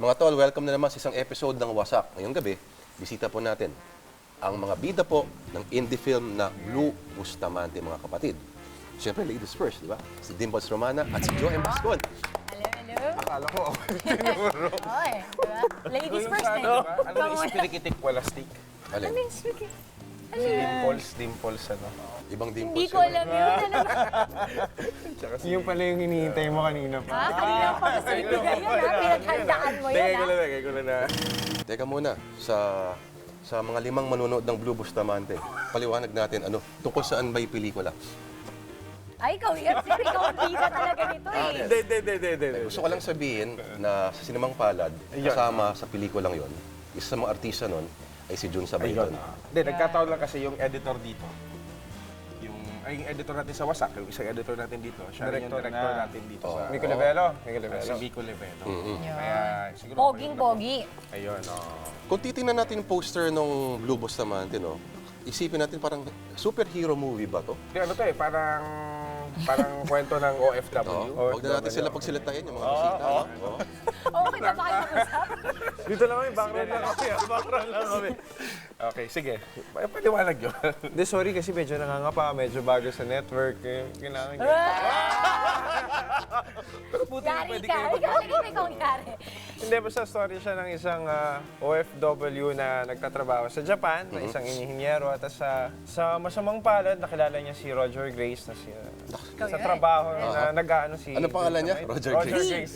Mga tol, welcome na naman sa isang episode ng Wasak. Ngayong gabi, bisita po natin ang mga bida po ng indie film na Blue Bustamante, mga kapatid. Siyempre, ladies first, di ba? Si Dimples Romana at si Joe M. Pascual. Hello, hello. Akala ko, Oy, diba? Ladies first na ano yung spirikitik walastik? Alin? Ano yung speaking? Dimples, ano? Ibang Dimples. Hindi ko alam yun. Ano ba? Yung pala yung hinihintay mo kanina pa. Ha? Kanina pa sa ibigay yun, ha? Pinaghandaan mo yun, ha? Tegay ko na. Teka muna, sa mga 5 manonood ng Blue Bustamante, paliwanag natin, tungkol saan ba yung pelikula? Ay, ikaw ang bida talaga nito, eh. Hindi. Gusto ko lang sabihin na sa Sinemang Palad, kasama sa pelikulang yon, isa sa mga artista nun ay si Jun Sabayton. Hindi, nagkataon lang kasi yung editor dito. Yung editor natin sa Wasak, yung isang editor natin dito. Siya rin yung director natin dito sa... Mico Levelo. Si Vico Levelo. Yun. Kaya siguro... Poging-pogi. Ayun, Kung titingnan natin yung poster ng Blue Bustamante, isipin natin parang superhero movie ba to? Hindi, ano to eh, parang kwento ng OFW. Huwag na natin sila pagsilitain, yung mga bisita. Oo. Okay na ba kayo mag-usap? Dito lang kami, background lang kami. Background lang kami. Okay, sige. Paliwanag yun. Hindi, sorry kasi medyo nangangapa, medyo bago sa network. Kailangan Yari ka. Ikaw ang yari. Hindi, basta story siya ng isang OFW na nagtatrabaho sa Japan, na isang inhinyero. At sa masamang palad, nakilala niya si Roger Grace na sa trabaho na nag-ano si... Ano pangalan niya? Roger Grace.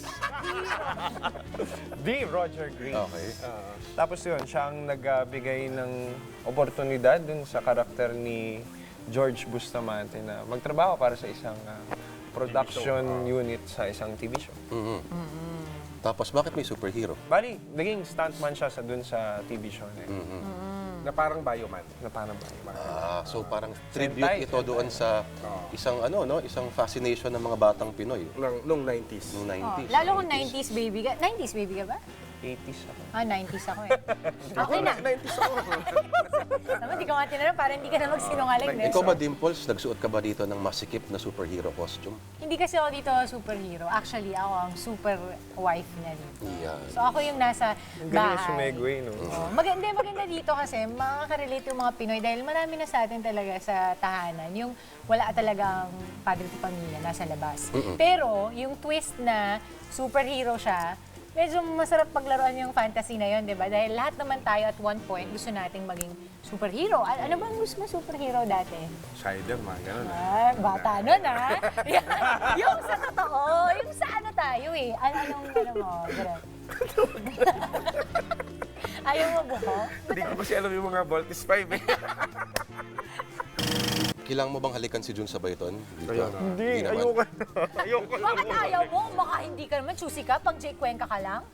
D. Roger Grace. Okay. Tapos yun, siya ang nagbigay ng oportunidad dun sa karakter ni George Bustamante na magtrabaho para sa isang production unit sa isang TV show. Tapos, bakit may superhero? Bali, naging stuntman siya dun sa TV show na yun. Na parang bioman. Na parang ba? So parang tribute Sentai. ito doon sa isang isang fascination ng mga batang Pinoy Nung 90s. noong 90s. Lalo kung 90s baby ka. 90s baby ka ba? 80s ako. 90s ako eh. Okay na. 90s ako. Tama, di ka nga tinanong para hindi ka na magsinungaling. Ikaw ba, Dimples, nagsuot ka ba dito ng masikip na superhero costume? Hindi kasi ako dito superhero. Actually, ako ang super wife na dito. Yan. So ako yung nasa Ang galing bahay. sumegway, no? Oh, maganda dito kasi makaka-relate yung mga Pinoy dahil marami na sa atin talaga sa tahanan. Yung wala talagang padre de pamilya nasa labas. Pero yung twist na superhero siya, medyo masarap paglaruan yung fantasy na yun, di ba? Dahil lahat naman tayo at one point gusto nating maging superhero. Ano bang gusto mo superhero dati? Spider-Man, gano'n. Bata nun, ha? Yung sa totoo, yung sa ano tayo eh. Anong mo? Ganun. Ayaw mo buho? Hindi ko kasi alam yung mga Voltis 5 eh. Kailangan mo bang halikan si Jun Sabayton? Dito? Hindi, naman. ayoko. Bakit ayaw mo? Baka hindi ka naman choosy ka pag Jake Cuenca ka lang?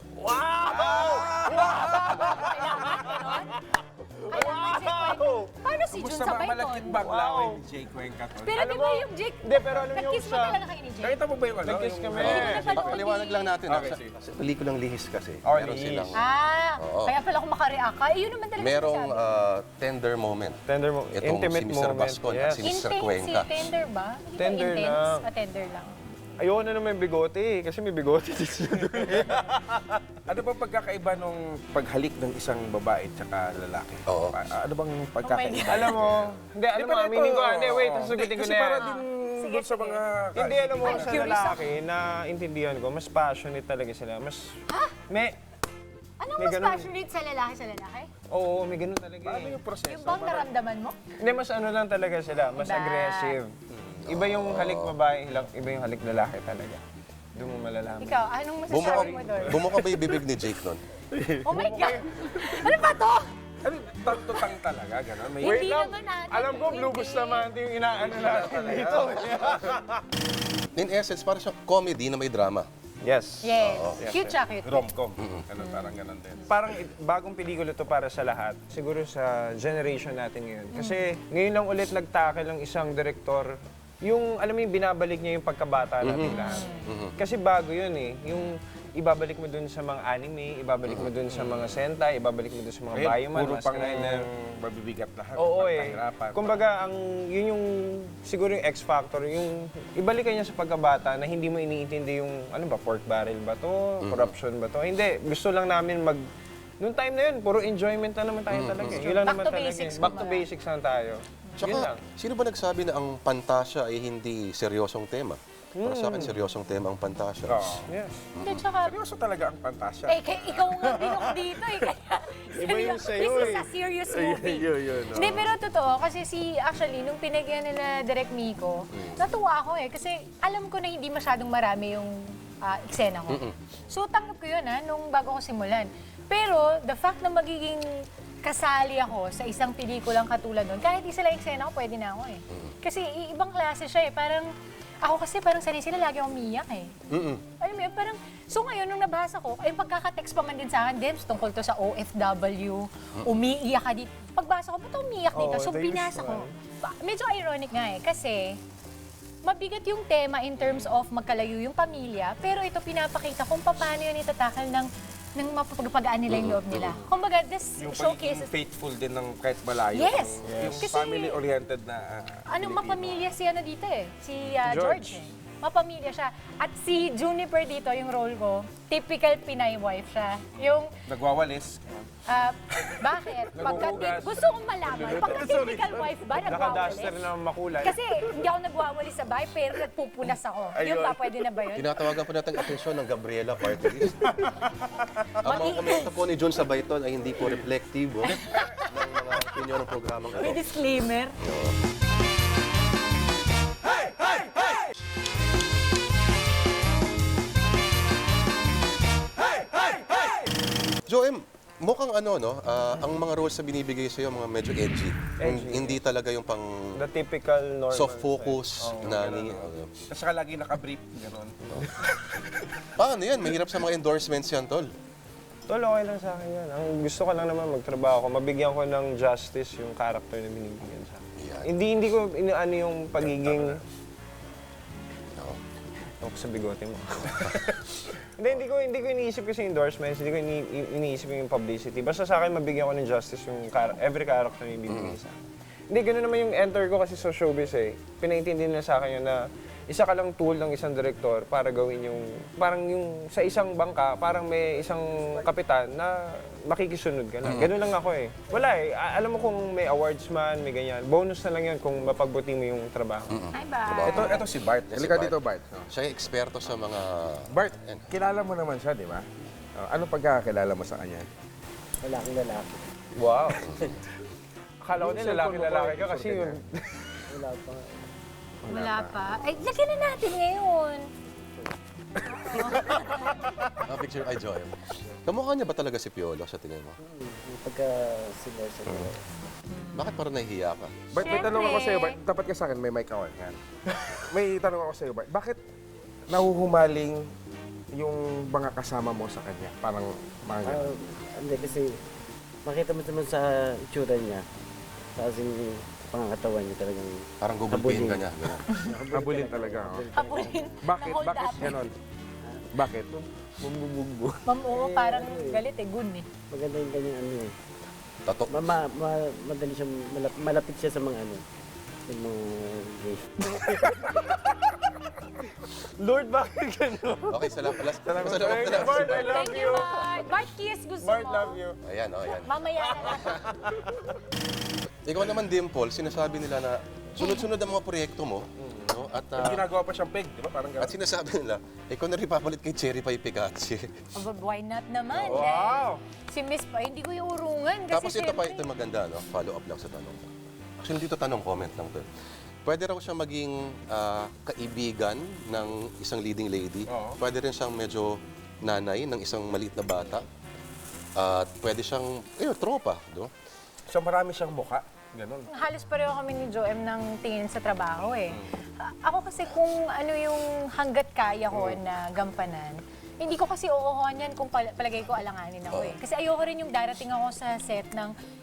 Kailangan Jake Cuenca. Paano si Jun Gusto ba malakit Sabayton? bangla ko yung Jay Cuenca to? Pero di ba yung Jake, Hindi, pero alam niyo nag-kiss mo sa- talaga kayo ni Jake? Nakita mo ba yung ano? Nag-kiss yung- kami. Hindi ko napanood Paliwanag lang natin. Okay, sa, sige. sa pelikulang Lihis kasi, Oh, meron Lihis. silang, Ah, kaya pala ako makareact ka. Eh, yun naman talaga merong sinasabi. tender moment. Tender mo, Itong intimate si Mr. moment. Bascon at si Mr. Intense, Cuenca. tender ba? Hindi ba Tender intense? lang. Tender lang. Ayoko na naman bigote eh, kasi may bigote dito. Ano ba pagkakaiba nung paghalik ng isang babae at saka lalaki? Oo. Ano bang pagkakaiba? Alam mo, hindi, alam mo, pala aminin ko, ito, hindi, wait, sasagutin ko Kasi na para yan. din Sige, doon sa sige. mga... Hindi, alam mo, I'm sa curious lalaki, na intindihan ko, mas passionate talaga sila. Mas, may, Anong May mas ganun. passionate sa lalaki sa lalaki? oo, may ganun talaga Ano eh. yung proseso? Yung bang naramdaman mo? Hindi, mas ano lang talaga sila, mas Iba. aggressive. Iba yung halik babae, iba yung halik lalaki talaga. Doon mo malalaman. Ikaw, anong masasabi mo doon? Bumuka ba yung bibig ni Jake nun? Oh my God! Ano ba to? Ano, tang talaga, gano'n? May... Hindi naman natin. Alam ko, Blue Bustamante yung inaano natin dito. In essence, parang siya comedy na may drama. Yes. Yes. Cute siya, cute. Rom-com. Ano, parang gano'n din. Parang bagong pelikula to para sa lahat. Siguro sa generation natin ngayon. Kasi ngayon lang ulit nagtackle ang isang direktor. Yung, alam mo yung binabalik niya yung pagkabata natin lahat. Kasi bago yun eh. ibabalik mo dun sa mga anime, ibabalik mo dun sa mga sentai, ibabalik mo dun sa mga Bioman, puro Mask pang Rider. mabibigat lahat. Oo pagkahirapan. Kumbaga, yun yung siguro yung X factor, yung ibalikan niya sa pagkabata na hindi mo iniintindi yung ano ba, pork barrel ba to, corruption ba to. Hindi, gusto lang namin noong time na yun, puro enjoyment na naman tayo talaga. Yun lang Back naman to talaga. basics, Back to kumbaga. basics lang tayo. Yun Tsaka, lang. sino ba nagsabi na ang pantasya ay hindi seryosong tema? Para sa akin, seryosong tema ang pantasya. Oo. Yes. Hindi, tsaka, Seryoso talaga ang pantasya. ikaw nga binok dito eh. Kaya, Iba yung sa'yo this is eh. a serious movie. Yun. Hindi, pero totoo, kasi actually, nung pinagyan na Direk Miko, natuwa ako eh. Kasi alam ko na hindi masyadong marami yung eksena ko. So, tanggap ko yun nung bago ko simulan. Pero, the fact na magiging kasali ako sa isang pelikulang katulad nun, kahit isa lang eksena ko, pwede na ako eh. Kasi ibang klase siya eh. Ako kasi parang sanay sila, lagi akong umiyak eh. Alam mo yun, parang, so ngayon, nung nabasa ko, ay pagkakatext pa man din sa akin, Debs, tungkol to sa OFW, umiiyak ka dito. Pagbasa ko, ba't umiiyak dito? So the binasa ko. usual. Medyo ironic nga eh, kasi mabigat yung tema in terms of magkalayo yung pamilya, pero ito pinapakita kung paano yun itatakal ng mapapagpagaan nila yung loob nila. Kumbaga, this Yung showcases pagiging faithful din ng kahit malayo. Yes. Yung Kasi- family-oriented na mapamilya si dito eh, si George. George eh. Mapamilya siya. At si Juniper dito, yung role ko, typical Pinay wife siya. Yung, nagwawalis. bakit? Naghuhugas. Gusto kong malaman, pagka typical wife ba, nagwawalis? Naka-duster na makulay. Kasi hindi ako nagwawalis sa bahay, pero nagpupunas ako. Yung ba, pwede na ba yun? Tinatawagan po natin ang atensyon ng Gabriela Party List. Ang mga komento po ni John Sabayton ay hindi po reflective ng mga opinion ng programang May ito. disclaimer. Joem, mukhang ang mga roles na binibigay sa'yo, mga medyo edgy. Hindi talaga yung pang The typical normal. soft focus na At saka lagi nakabrief. Ganon. paano yan? Mahirap sa mga endorsements yan, tol. Tol, okay lang sa akin yan. Ang gusto ko lang naman magtrabaho ko, mabigyan ko ng justice yung character na binibigyan sa akin. Yan. Hindi ko inaano yung pagiging... Oo. Ako sa bigote mo. hindi ko iniisip kasi endorsements, hindi ko iniisip yung publicity. Basta sa akin, mabigyan ko ng justice yung every character na ibibigay sa akin. Hindi, gano'n naman yung enter ko kasi sa showbiz eh. Pinaintindi nila sa akin yun na isa ka lang tool ng isang direktor para gawin yung, parang yung sa isang bangka, parang may isang kapitan na makikisunod ka lang. Gano'n lang ako eh. Wala eh. Alam mo kung may awards man, may ganyan. Bonus na lang yun kung mapagbuti mo yung trabaho. Hi, bye. Ito si Bart. Halika Bart. dito, Bart. Siya yung eksperto sa mga... Bart, kilala mo naman siya, di ba? Ano pagkakakilala mo sa kanya? Lalaking lalaki. Wow. Akala ko din lalaki ka kasi yun. Wala pa nga. Wala pa. Ay, lagyan na natin ngayon. picture ay Joem. Kamukha niya ba talaga si Piolo sa tingin mo? Yung pagka senior sa Bakit parang nahihiya ka? Bart, may tanong ako Siyempre. sa'yo, Bart. Tapat ka sa akin, may mic ako. Yan. May tanong ako sa'yo, Bart. Bakit nahuhumaling yung mga kasama mo sa kanya? Parang mga ganun. Hindi kasi makita mo naman sa itsura niya. Sa kasing pangangatawan niya talagang Parang gugulpihin ka niya. Ganun. Habulin talaga. Oh. Habulin. Bakit? Na-hold Bakit up. ganon? Bakit? bumubugbo. Ma'am, oo, parang galit eh. Good eh. Maganda yung kanyang ano eh. Tato. Madali siya, malapit siya sa mga ano. Sa mga gay. Lord, bakit gano'n? Okay, salamat. Salamat. Bart, I love Thank you. you, Bart. Bart, kiss. Gusto Bart, mo? love you. Ayan, ayan. Mamaya na lang. Ikaw naman, Dimple, sinasabi nila na sunod-sunod ang mga proyekto mo. No? At, Ginagawa pa siyang peg, di ba? Parang at gano'n. sinasabi nila, ikaw na rin papalit kay Cherry Pie Picachi. Aba, why not naman? Wow. Si Miss Pa, hindi ko yung urungan. Kasi Tapos ito pa, syempre- ito maganda, no? Follow up lang sa tanong ko. Actually, dito tanong, comment lang to. Pwede raw siya maging kaibigan ng isang leading lady. Oo. Pwede rin siyang medyo nanay ng isang maliit na bata. At pwede siyang, tropa, no? So marami siyang mukha. Ganon. Halos pareho kami ni Joem ng tingin sa trabaho eh. Ako kasi kung ano yung hanggat kaya ko na gampanan, hindi ko kasi oohohan yan kung palagay ko alanganin ako eh. Kasi ayoko rin yung darating ako sa set ng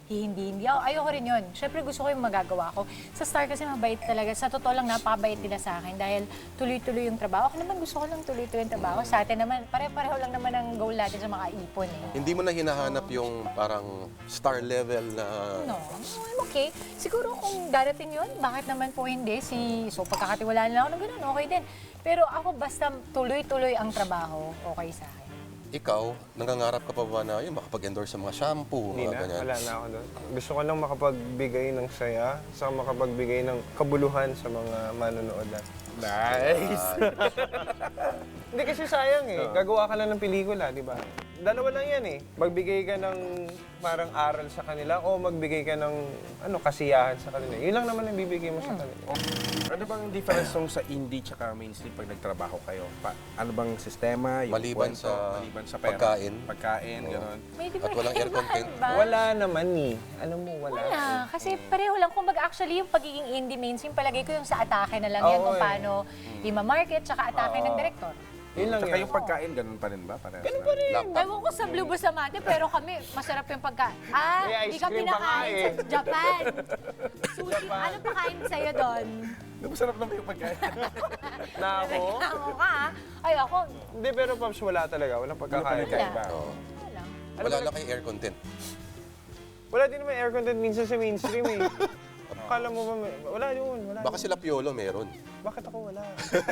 hindi. Ayoko rin yun. Siyempre gusto ko yung magagawa ko. Sa Star kasi mabait talaga. Sa totoo lang, napakabait nila sa akin dahil tuloy-tuloy yung trabaho. Ako naman gusto ko lang tuloy-tuloy yung trabaho. Sa atin naman, pare-pareho lang naman ang goal natin sa makaipon eh. Hindi mo na hinahanap yung parang star level na... No, I'm okay. Siguro kung darating yun, bakit naman po hindi? So pagkakatiwalaan lang ako ng ganun, okay din. Pero ako basta tuloy-tuloy ang trabaho, okay sa akin. Ikaw, nangangarap ka pa ba na yun, makapag-endorse sa mga shampoo, Hindi mga na, ganyan? wala na ako doon. Gusto ko lang makapagbigay ng saya, saka makapagbigay ng kabuluhan sa mga manonood natin. Nice! Hindi kasi sayang eh. Gagawa ka lang ng pelikula, di ba? Dalawa lang yan eh. Magbigay ka ng parang aral sa kanila o magbigay ka ng kasiyahan sa kanila. Yun lang naman ang bibigay mo sa kanila. Ano bang difference nung sa indie tsaka mainstream pag nagtrabaho kayo? Ano bang sistema? Yung Maliban kwento, sa maliban sa pera? pagkain. Pagkain, gano'n. May At walang air content. ba? Wala naman eh. Alam mo, wala. Wala. Kasi pareho lang. Kung actually yung pagiging indie mainstream, palagay ko yung sa atake na lang yan Oo, kung eh. paano i-market tsaka atake ng director. Yun lang Tsaka yun. yung pagkain, ganun pa rin ba? Ganun Pa rin. Ewan ko sa Blue Bustamante, pero kami, masarap yung pagkain. May Di ice ka cream pa nga pinakain eh. sa Japan. Sushi, ano pakain sa'yo doon? Masarap naman yung pagkain. Na ako? Reklamo ka, ah. Ay, ako, Hindi, pero Pops, wala talaga. Walang pagkakain. wala. Oo. Wala. Wala lang kay air content. Wala din naman air content minsan sa mainstream eh. Akala mo ba wala yun, wala. Baka sila Piolo meron. Bakit ako wala?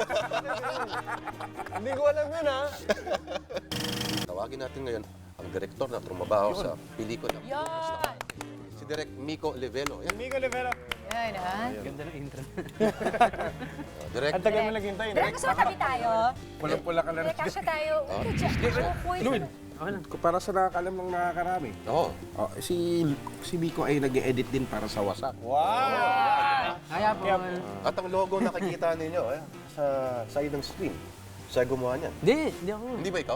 Hindi ko alam yun ha. Tawagin natin ngayon ang direktor na trumabaho sa pelikula. Yan! Si Direk Miko Livelo. Yan. Amigo Rivera. Yan, ha? Ganda ng intro. Direk, Ang tagal mo naghintay. Direk, gusto mo tabi tayo? Pulang-pula ka lang. Direk, kasya tayo. Lloyd, para sa nakakalam ng nakakarami. Oo. Oh, si Miko ay nag-edit din para sa Wasak. Wow! Kaya po. At ang logo nakikita ninyo sa side ng screen. Siya gumawa niyan. Hindi ako. Hindi ba ikaw?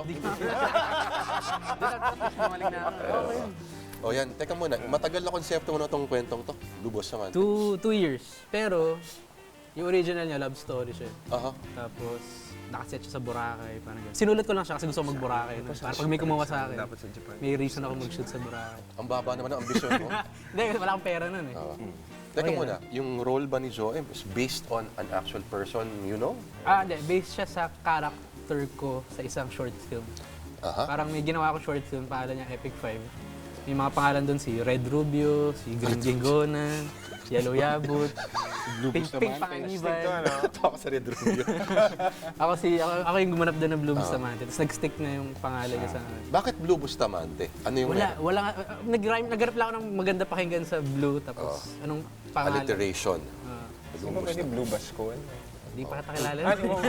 Gumaling na ako. Okay yun. O yan, teka muna. Matagal na konsepto mo na itong kwentong to. Lubos naman. 2 years. Pero, yung original niya, love story siya. Aha. Tapos, nakaset siya sa Boracay. Parang ganun. Sinulat ko lang siya kasi gusto ko mag-Boracay. No? Para pag may kumuha sa akin, Dapat sa Japan. may reason ako mag-shoot sa Boracay. Ang baba naman ang ambisyon mo. Hindi, kasi wala akong pera nun eh. Oo. Teka muna, yung role ba ni Joem is based on an actual person, you know? Hindi. Based siya sa character ko sa isang short film. Aha. Parang may ginawa akong short film, pangalan niya Epic 5. May mga pangalan doon si Red Rubio, si Green Gingonan, Yellow Yabut, Pink Panganiban. Tawa sa Red Rubio. Ako yung gumanap doon ng Blue Bustamante. Tapos nag-stick na yung pangalan niya sa akin. Bakit Blue Bustamante? Ano yung Wala. Nag-rap lang ako ng maganda pakinggan sa Blue. Tapos anong pangalan? alliteration? Sino ba si Blue Bascon? Hindi pa kita kilala.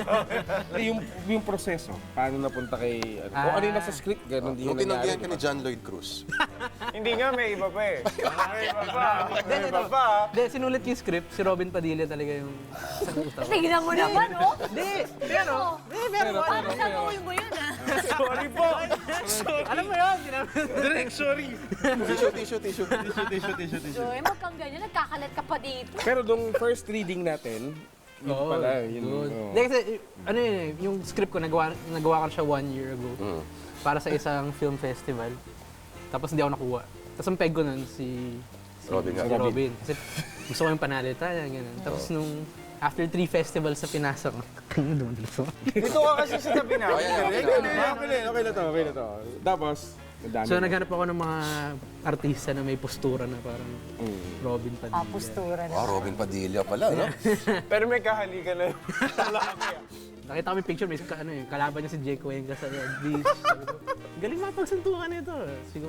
yung proseso, paano napunta kay... Kung ano yung nasa script, ganun din Nung yung tinanggihan nangyari. ka ni John Lloyd Cruz. Hindi nga, may iba pa eh. May iba pa. May iba pa. Hindi, sinulat yung script. Si Robin Padilla talaga yung sa utak ko. Tingnan mo naman, oh. Hindi, pero... Paano sa goal mo yun, ah? Sorry po. Alam mo yun, Direct, sorry! Tissue. So, wag kang ganyan. Nagkakalat ka pa dito. Pero nung first reading natin, yun pala, yun. oh. Hindi kasi, ano yun eh, yung script ko, nagawa ko siya 1 year ago. Para sa isang film festival. Tapos hindi ako nakuha. Tapos ang peg ko nun si Robin nga. Robin. Kasi gusto ko yung panalitan, gano'n. Tapos nung after 3 festivals na pinasa ko, ano doon dito? Dito ka kasi sa tabi na. Oh, yan. Okay na to. Tapos, madami. So naghanap ako ng mga artista na may postura na parang Robin Padilla. Postura na. Wow, Robin Padilla pala, no? Pero may kahalikan na. Nakita ko yung picture, may kalaban niya si Jake Cuenca sa beach. Sabi ko, galing mapagsuntukan nito. Siguro.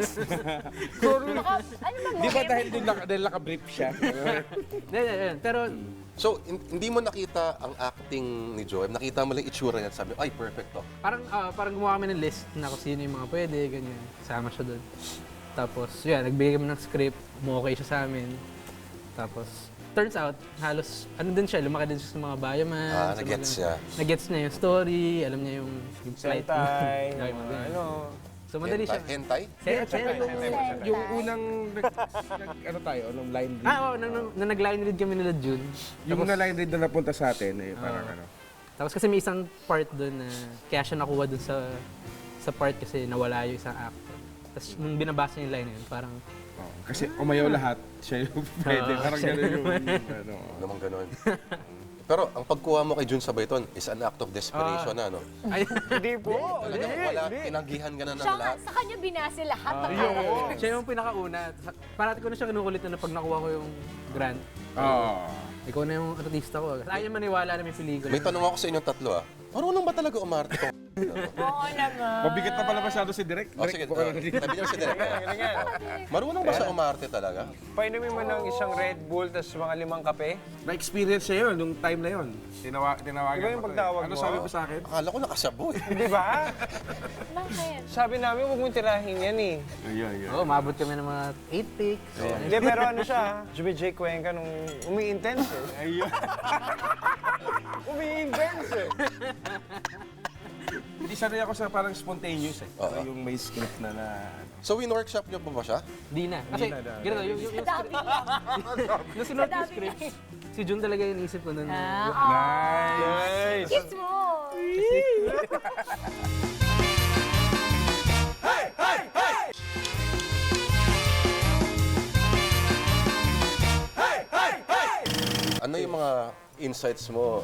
Baka, ano bang Di ba dahil dahil naka-brief siya? Hindi. Pero So, hindi mo nakita ang acting ni Joem. Nakita mo lang itsura niya at sabi, ay, perfect to. parang gumawa kami ng list na kung sino yung mga pwede, ganyan. Kasama siya doon. Tapos, yun, nagbigay kami ng script, okay siya sa amin. Tapos, turns out, halos, ano din siya, lumaki din siya sa mga bayaman. sa nag-gets mga- siya. Nag-gets niya yung story, alam niya yung flight. Sentay. Yung mga ganyan. Ano? So, madali siya. Hentai? Yung unang, ano tayo, nung line read. Nung nag-line read kami nila June. Yung na line read na napunta sa atin, parang ano. Tapos kasi may isang part doon na kaya siya nakuha doon sa part kasi nawala yung isang actor. Tapos nung binabasa niya yung line na yun, parang Kasi umayaw lahat, siya yung pwede. Parang gano'n yung ano. Naman ganun. Pero ang pagkuha mo kay Jun Sabayton is an act of desperation na, no? Ay, Hindi po. Talagang wala, tinanggihan ka na ng Siya, lahat. sa kanya binase lahat. siya yung pinakauna. Parati ko na siya kinukulit na pag nakuha ko yung grant. Oo. Ikaw na yung artista ko. Ayaw niya maniwala na may pelikula. May tanong ako sa inyong tatlo, marunong ba talaga umarte tong Oo naman. Mabigat na pala masyado si Direk. Oh, sige, tabi niyo si Direk. Marunong ba siya umarte talaga? Painumin mo ng isang Red Bull, tapos mga 5 kape. Na-experience siya yun, nung time na yun. Tinawagan Iba yung ko to pagtawag Ano mo? sabi mo sa akin? Akala ko nakasabo eh. Di ba? Bakit? Sabi namin, huwag mong tirahin yan eh. Ayun. Oo, maabot kami ng mga 8 takes. Hindi, pero ano siya, Jubi J. Cuenca nung umi-intense eh. Ayun. Umi-intense eh. Hindi sanay ako sa parang spontaneous eh. Oo. Yung may script na So, win-workshop niyo pa ba siya? Di na. Kasi, ganito, yung Dami lang. yung sinuot yung script, si Jun talaga yung isip ko nun. Nice! Nice! Kiss mo! Ano yung mga insights mo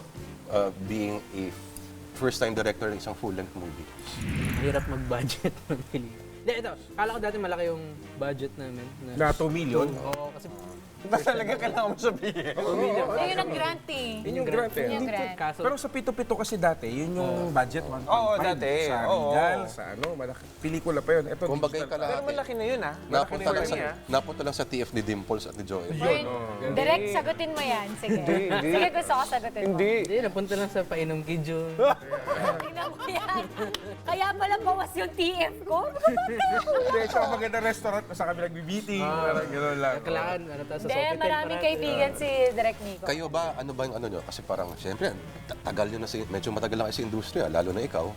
being a first-time director ng isang full-length movie? Hirap mag-budget ng pelikula. Hindi, ito. Kala ko dati malaki yung budget namin. Na 2 million? Oo, kasi Ba talaga kailangan mo sabihin? Yun ang grant eh. Yun yung grant eh. Yun yung grant. kaso, Pero sa Pito-Pito kasi dati, yun yung budget. 1.5 Oo, dati. Sa Oo. Regal, sa ano, malaki. Pelikula pa yun. Ito, Kung bagay digital. ka Pero lahat, malaki na yun ah. napunta lang, Malaki na. napunta lang sa TF ni Dimples at ni Joel. Direct, sagutin mo yan. Sige. Hindi. Sige, gusto ko sagutin mo. Hindi. hindi, napunta lang sa painom kay Jun. Tingnan mo yan. Kaya pala bawas yung TF ko. Hindi, sa magandang restaurant kung saan kami nagbi-meeting. Parang gano'n lang. Kailangan, ano, tapos sa Hindi, Sofitel. maraming kaibigan si Direct Nico. Kayo ba, ano ba yung ano nyo? Kasi parang, siyempre, tagal nyo na medyo matagal lang kayo sa industriya, lalo na ikaw.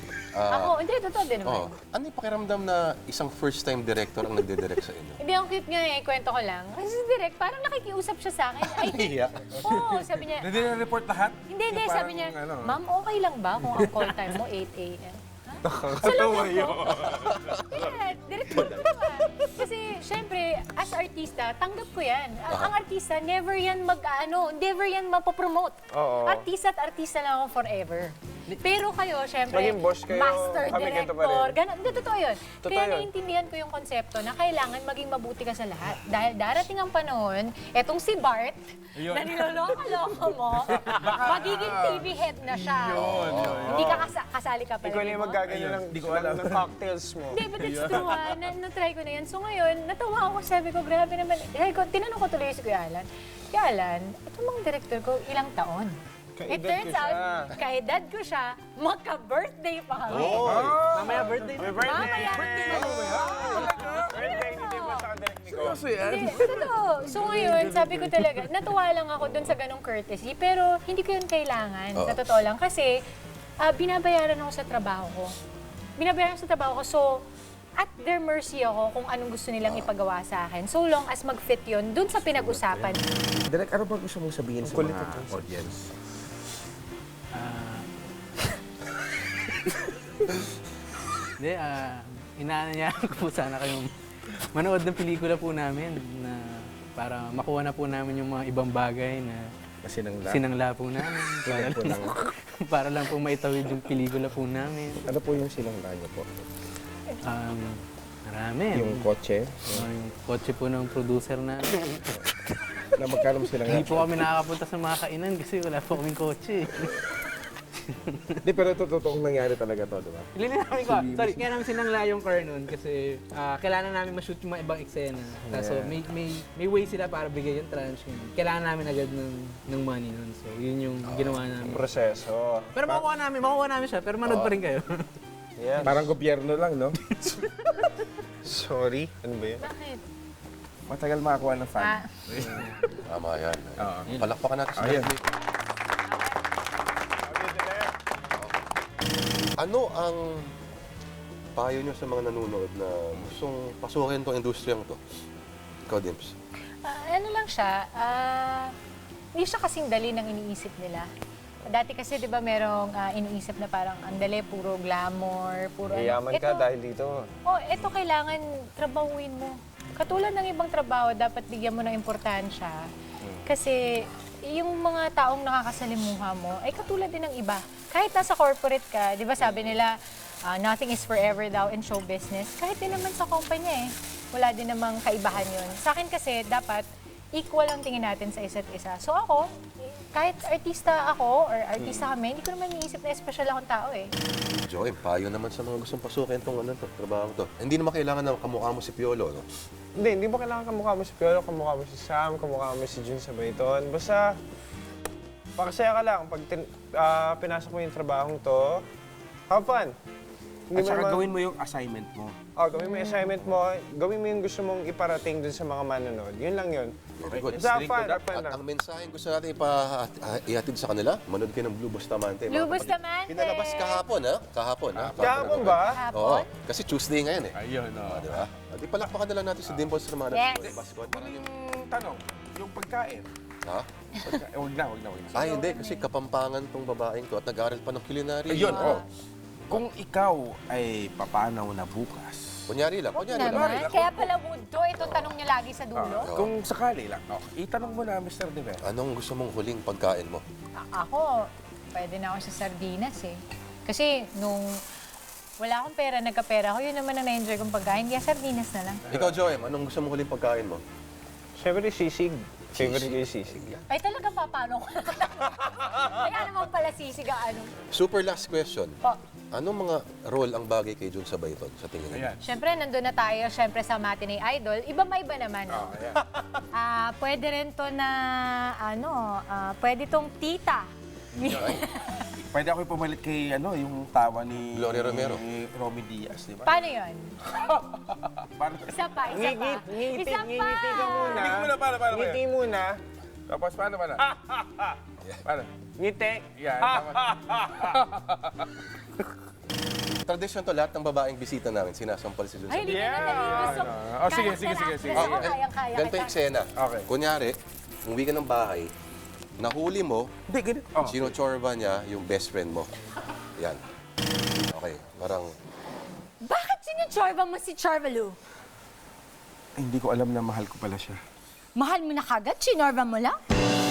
Ako, hindi, totoo din naman. Oh, ano yung pakiramdam na isang first-time director ang nagde-direct sa inyo? Hindi, ang cute nga eh, kwento ko lang. Kasi si Direct, parang nakikiusap siya sa akin. Ay, Hiya. oo, sabi niya, Hindi na report lahat? hindi, Yung sabi parang, niya, ano, ma'am, okay lang ba kung ang call time mo 8 a.m.? Nakakatawa yun. Yeah, direktor ko naman. Kasi, syempre, as artista, tanggap ko yan. Ang artista, never yan never yan mapopromote. Oo. Artista at artista lang ako forever. Pero kayo, syempre, Maging boss kayo, master kami ganito pa director, rin. ganun. Hindi, totoo yun. Totoo Kaya yun. naiintindihan ko yung konsepto na kailangan maging mabuti ka sa lahat. Dahil darating ang panahon, etong si Bart, na niloloko-loko mo, magiging TV head na siya. Hindi ka kasali ka pala. Ikaw na yung magaganyan ng cocktails mo. Hindi, but it's true ha. Na-try ko na yan. So ngayon, natawa ako. Sabi ko, grabe naman. Sabi ko, tinanong ko tuloy si Kuya Alan. Kuya Alan, itong mga director ko, ilang taon? It Kaedad turns ko siya. out, kaedad ko siya, magka-birthday pa kami. Mamaya birthday. Mamaya. Birthday, hindi mo sa direct ni Ko. Hindi, totoo. So ngayon, sabi ko talaga, natuwa lang ako dun sa ganong courtesy, pero hindi ko yun kailangan. Sa totoo lang. Kasi, binabayaran ako sa trabaho ko. Binabayaran ako sa trabaho ko. So, at their mercy ako kung anong gusto nilang ipagawa sa akin. So long as mag-fit yun dun sa pinag-usapan. Direk, ano ba gusto mong sabihin sa mga audience? Hindi, inaanyayahan ko po sana kayong manood ng pelikula po namin na para makuha na po namin yung mga ibang bagay na sinangla po namin. Para lang po maitawid yung pelikula po namin. Ano po yung sinangla niyo po? Marami. Yung kotse? Yung kotse po ng producer na. Na magkano mo sinangla? Hindi po kami nakakapunta sa mga kainan kasi wala po kaming kotse. Hindi, pero ito totoong nangyari talaga to, di ba? Namin ko. Sorry, kaya namin sinangla yung car nun kasi kailangan namin ma-shoot yung mga ibang eksena. So may way sila para bigay yung tranche. Kailangan namin agad ng money nun. So yun yung ginawa namin. Proseso. Pero makuha namin siya, pero manood pa rin kayo. Yan. Parang gobyerno lang, no? Sorry. Ano ba yun? Bakit? Matagal makakuha ng fan. Tama yan. Oo. Palakpakan natin si Ayun. Leslie. Ano ang payo nyo sa mga nanonood na gustong pasukin tong industriyang to? Ikaw, Dimps. Ano lang siya, hindi siya kasing dali ng iniisip nila. Dati kasi, di ba, merong iniisip na parang ang dali, puro glamour, puro... Yayaman ka dahil dito. Oh, ito kailangan trabahuin mo. katulad ng ibang trabaho, dapat bigyan mo ng importansya. Kasi yung mga taong nakakasalimuha mo, ay katulad din ng iba. Kahit nasa corporate ka, di ba sabi nila, nothing is forever daw in show business. Kahit din naman sa kumpanya wala din namang kaibahan yun. Sa akin kasi, dapat equal ang tingin natin sa isa't isa. So ako, kahit artista ako or artista kami, hindi ko naman iniisip na special akong tao Joey, payo naman sa mga gustong pasukin itong trabaho to. Hindi naman kailangan na kamukha mo si Piolo, no? Hindi mo kailangan kamukha mo si Piolo, kamukha mo si Sam, kamukha mo si Jun Sabayton. Basta, pakasaya ka lang. Pag pinasok mo yung trabahong to, have fun. At saka gawin mo yung assignment mo. Gawin mo yung assignment mo, gawin mo yung gusto mong iparating dun sa mga manonood. Yun lang yun. Very good. Have fun, have fun At lang. ang mensahe gusto natin ihatid sa kanila, manood kayo ng Blue Bustamante. mga Blue kapatid. Bustamante! Pinalabas kahapon, ha? Kahapon, ha? Kahapon ba? Oo. Hapon. Kasi Tuesday ngayon, eh. Ayun, o. Di ba? Di palakpakan na lang natin si Dimples Romana. Yes. Yung tanong, yung pagkain. Ha? Huwag na. Ay, hindi. Kasi kapampangan tong babaeng to at nag-aaral pa ng culinary. Ayun, Kung ikaw ay papanaw na bukas, Kunyari lang. Naman. Kaya pala wood to. Itong tanong niya lagi sa dulo. kung sakali lang, itanong mo na, Mr. Diver. Anong gusto mong huling pagkain mo? Ako, pwede na ako sa sardinas Kasi nung wala akong pera, nagkapera ako, yun naman ang na-enjoy kong pagkain. Kaya sardinas na lang. Ikaw, Joem, anong gusto mong huling pagkain mo? Siyempre, sisig. Favorite ko yung sisig. Ay, talaga papano ko lang. Kaya naman pala sisig ang ano. Super last question. Po. Anong mga role ang bagay kay Jun Sabayton sa tingin mo? Ayan. Siyempre, nandun na tayo, siyempre sa Matinee Idol. Iba naman. No? Pwede rin to na, pwede tong tita. Pwede ako pumalit kay, yung tawa ni... Gloria Romero. Ni Romy Diaz, di ba? Paano yun? Paano? Isa pa. Ngiti Isa pa. ka muna. Ngiti muna, paano? Ngiti muna. Tapos paano? Paano? Ngiti. Yan, tapos. Tradisyon to, lahat ng babaeng bisita namin, sinasampal si Jun Ay, hindi Sabayton. ka na gusto. Sige. Ako, kayang-kaya Ganito yung kita. eksena. Okay. Kunyari, umuwi ka ng bahay, nahuli mo, Hindi, ganito. sinotsorba niya yung best friend mo. Yan. Okay, parang... Bakit sinutsorba mo si Charvalu? Hindi ko alam na mahal ko pala siya. Mahal mo na kagad? Sinorba mo lang?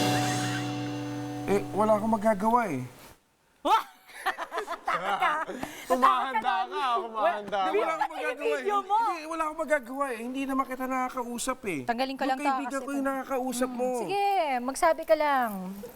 Wala akong magagawa eh. Kumahanda ka, kumahanda Wala ka. akong magagawa eh. video mo. Hindi, wala akong magagawa eh. Hindi naman kita nakakausap eh. Tanggalin ko lang Yung to, kaibigan kasi ko yung nakakausap mo. Sige, magsabi ka lang.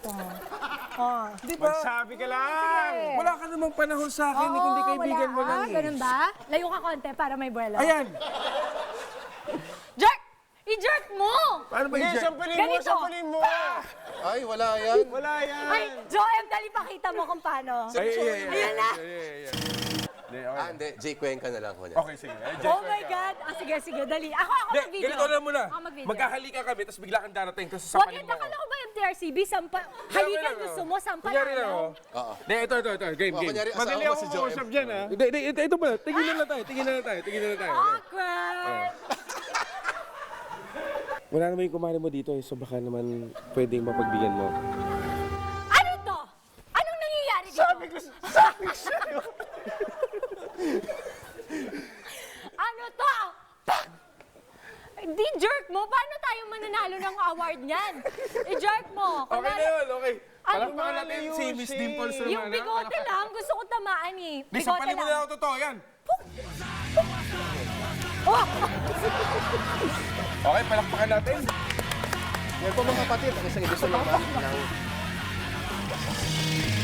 Di ba? Magsabi ka lang. Wala ka namang panahon sa akin eh, kundi kaibigan mo lang eh. Ganun ba? Layo ka konti para may buwelo. Ayan! Jerk! I-jerk mo! Paano ba Hindi, yung sampalin mo, Ganito. sampalin mo. Ay, wala yan. Wala yan. Ay, Joem, dali pakita mo kung paano. Ayan na. Hindi. Jay Cuenca na lang. Kunya. Okay, sige. Oh my God. Sige, dali. Ako mag-video. Ganito na muna. Ako mag-video. Magkahalika kami, tapos bigla kang darating, tapos Huwag sasampalin yun, mo ako. nakala ko ba MTRCB? Halikan gusto mo, Kunyari lang sampalanan. ako. Hindi, ito. Game. Kunyari, Madali asawa mo ako si Joem. kausap dyan, ha? Hindi, ito pala. Tingin na lang tayo. Awkward! Wala naman yung kumari mo dito eh, so baka naman pwedeng mapagbigyan mo. Ano to? Anong nangyayari dito? Sabi ko sa'yo. Ano to? Pak! Di jerk mo? Paano tayo mananalo ng award niyan? I-jerk mo. Okay na yun, okay. Ano Palakpakan natin ba si yun, Miss si- Dimples Romana. Yung bigote lang, gusto ko tamaan eh. Di, Bigote sampalin mo na lang. ako totoo, yan. Oh! Okay, palakpakan natin. Yan po mga kapatid, ang isang edisyon ng